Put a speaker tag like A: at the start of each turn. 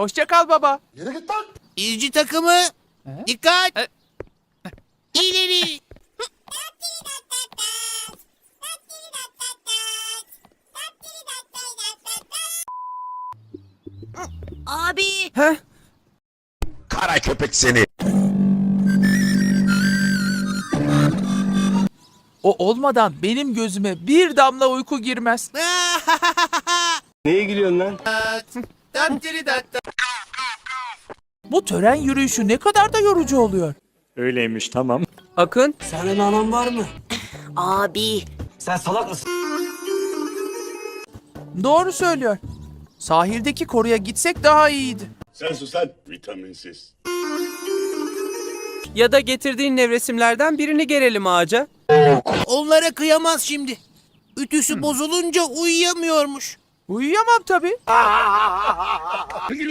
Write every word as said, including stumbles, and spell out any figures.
A: Hoşça kal baba.
B: Yere git lan.
C: İzci takımı. Dikkat.
A: E-
C: İleri.
D: Abi.
A: Heh.
B: Kara köpek seni.
A: O olmadan benim gözüme bir damla uyku girmez.
E: Neye gülüyorsun lan?
A: Bu tören yürüyüşü ne kadar da yorucu oluyor.
F: Öyleymiş, tamam.
G: Akın,
E: Senin anan var mı?
D: Abi.
E: Sen salak mısın?
A: Doğru söylüyor. Sahildeki koruya gitsek daha iyiydi.
B: Sen sus lan. Vitaminsiz.
G: ya da getirdiğin nevresimlerden birini gerelim ağaca.
C: Onlara kıyamaz şimdi. Ütüsü bozulunca uyuyamıyormuş.
A: Uyuyamam tabii.